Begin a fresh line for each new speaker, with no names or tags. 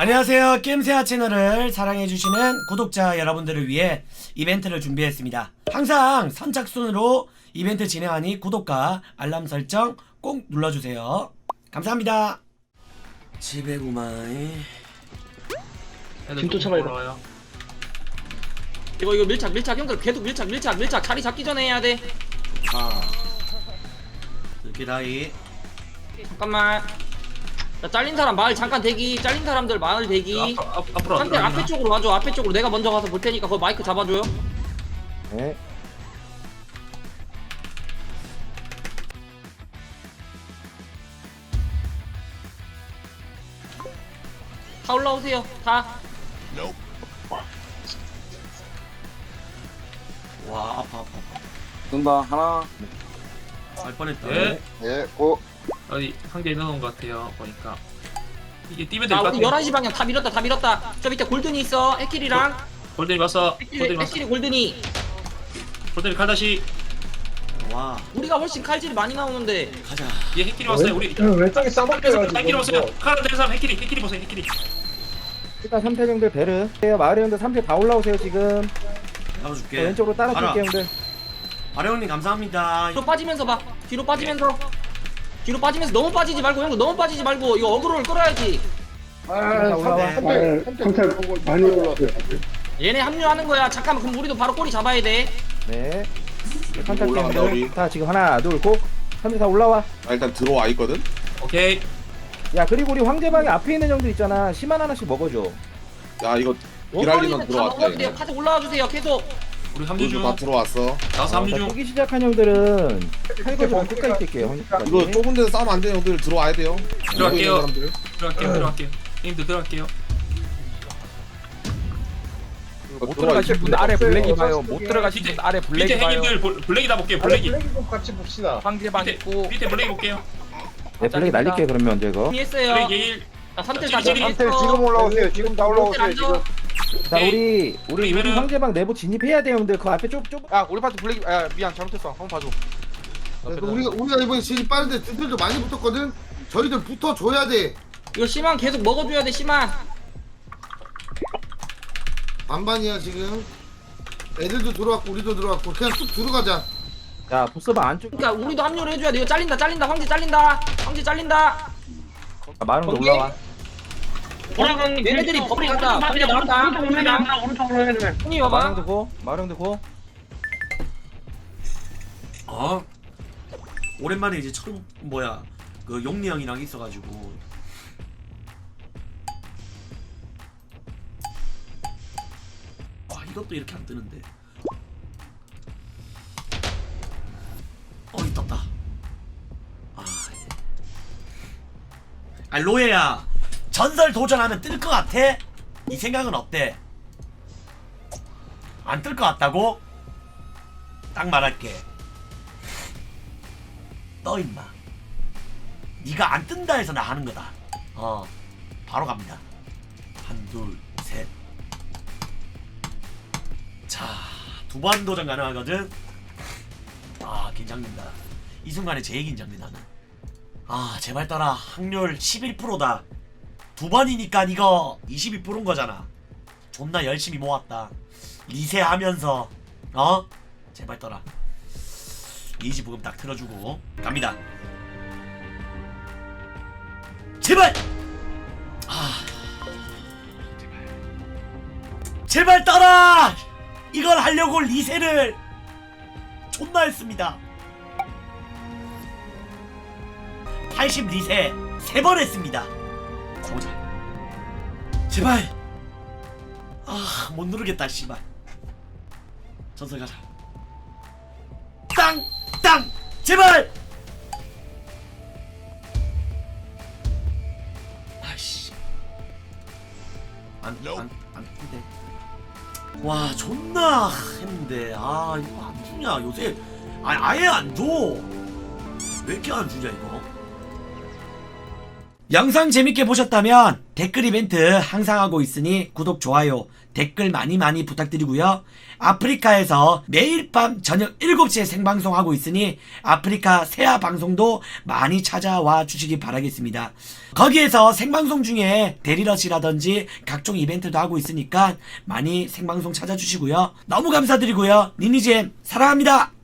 안녕하세요. 게임세아 채널을 사랑해주시는 구독자 여러분들을 위해 이벤트를 준비했습니다. 항상 선착순으로 이벤트 진행하니 구독과 알람 설정 꼭 눌러주세요. 감사합니다. 지배구마이
지금 쫓아가요. 이거 밀착 형들 계속 밀착 자리 잡기 전에 해야 돼.
이렇게 다이
잠깐만. 자, 잘린 사람 마을 잠깐 대기. 잘린 사람들 마을 대기.
앞으로
한대 앞에 쪽으로 와줘. 앞에 쪽으로 내가 먼저 가서 볼 테니까 거기 마이크 잡아줘요.
네.
다 올라오세요. 다.
와 아파
뜬다 하나.
갈 뻔했다.
예.
예. 고.
어디 상대 넣어놓은 것 같아요. 보니까 이게 뛰면
자,
될것
우리
같아요.
11시 방향 다 밀었다. 저 밑에 골든이 있어. 해킬이랑.
골든이 봤어. 골든이 봤어.
해킬이 골든이.
골든이 칼다시.
와
우리가 훨씬 칼질이 많이 나오는데.
가자.
얘 해킬이 왔어요. 우리
왼쪽에 싸먹혀가지고
해킬이 보세요. 칼을 댄 사람 해킬이 보세요. 해킬이.
일단 3패 형들 베르. 마을의 형들 3패 다 올라오세요 지금.
잡아줄게.
왼쪽으로 따라줄게요 형들.
아래형님 감사합니다.
뒤로 빠지면서 봐. 뒤로 빠지면서 너무 빠지지 말고 형들 너무 빠지지 말고 이거 어그로를 끌어야지.
자, 올라와.
상태 많이 올라왔어요.
얘네 합류하는 거야. 잠깐만 그럼 우리도 바로 꼬리 잡아야 돼.
네. 컨택 형들. 다 지금 하나 둘 고. 3패 다 올라와.
일단 들어와 있거든.
오케이.
야 그리고 우리 황제방에 앞에 있는 형들 있잖아. 시만 하나씩 먹어줘.
야 이거
원거리는
기랄리만
다
들어왔다.
먹어도 돼요.
이거.
카드 올라와 주세요. 계속.
우리 합류 중.
다 들어왔어.
나와서 합류
자,
중.
뛰기 시작한 형들은 칼거리만 끝까지 뛸게요.
이거 좁은 데서 싸우면 안 돼요. 형들 들어와야 돼요.
들어갈게요.
보이는 사람들.
들어갈게요. 형님들 들어갈게요.
못 들어가실 분 아래 블랙이 봐요. 못 들어가실 분 아래
밑에
블랙이 봐요.
형님들 블랙이 다 볼게요. 블랙이.
블랙이 좀 같이 봅시다.
황제방 있고
밑에 블랙이 볼게요.
네 블랙 날릴게 그러면 언제 이거.
했어요.
블랙 예일.
자, 3텔 다
지금
정리했어.
올라오세요. 지금 다 올라오세요. 지금.
자 우리
그러면은-
황제방 내부 진입해야 돼 형들. 그 앞에 좁.
야 우리 파트 블랙 야 미안 잘못했어. 한번 봐줘.
우리가 이번에 진입 빠른데 드들도 많이 붙었거든. 저희들 붙어줘야 돼.
이거 시만 계속 먹어줘야 돼. 시만.
반반이야 지금. 애들도 들어왔고 우리도 들어왔고 그냥 쑥 들어가자.
자 보스방 안쪽.
그러니까 우리도 합류를 해줘야 돼. 이거 잘린다. 황제 잘린다.
자, 마을형들 올라와.
얘네들이 버리 간다. 버리 나온다. 형님 와봐.
마을형들 고. 마을형들 고.
오랜만에 이제 그 용리 형이랑 있어가지고 이것도 이렇게 안 뜨는데. 떴다. 로에야 전설 도전하면 뜰 것 같아? 이 생각은 어때? 안 뜰 것 같다고? 딱 말할게. 떠 임마. 네가 안 뜬다 해서 나 하는 거다. 바로 갑니다. 한, 둘, 셋. 자, 2번 도전 가능하거든. 긴장된다. 이 순간에 제일 긴장돼 나는. 제발 떠라. 확률 11%다. 2번이니까 이거 22%인 거잖아. 존나 열심히 모았다. 리세하면서 제발 떠라. 이지 부금 딱 틀어주고 갑니다. 제발! 제발 떠라! 이걸 하려고 리세를 존나 했습니다. 80 리세 3번 했습니다. 가보자. 제발! 못 누르겠다 씨발. 전설 가자. 땅! 땅! 제발! 아이씨. 안 돼. 와, 존나 했는데. 이거 안 주냐, 요새. 아예 안 줘. 왜 이렇게 안 주냐, 이거. 영상 재밌게 보셨다면 댓글 이벤트 항상 하고 있으니 구독, 좋아요, 댓글 많이 부탁드리고요. 아프리카에서 매일 밤 저녁 7시에 생방송하고 있으니 아프리카 세아 방송도 많이 찾아와 주시기 바라겠습니다. 거기에서 생방송 중에 데리러시라든지 각종 이벤트도 하고 있으니까 많이 생방송 찾아주시고요. 너무 감사드리고요. 니니잼 사랑합니다.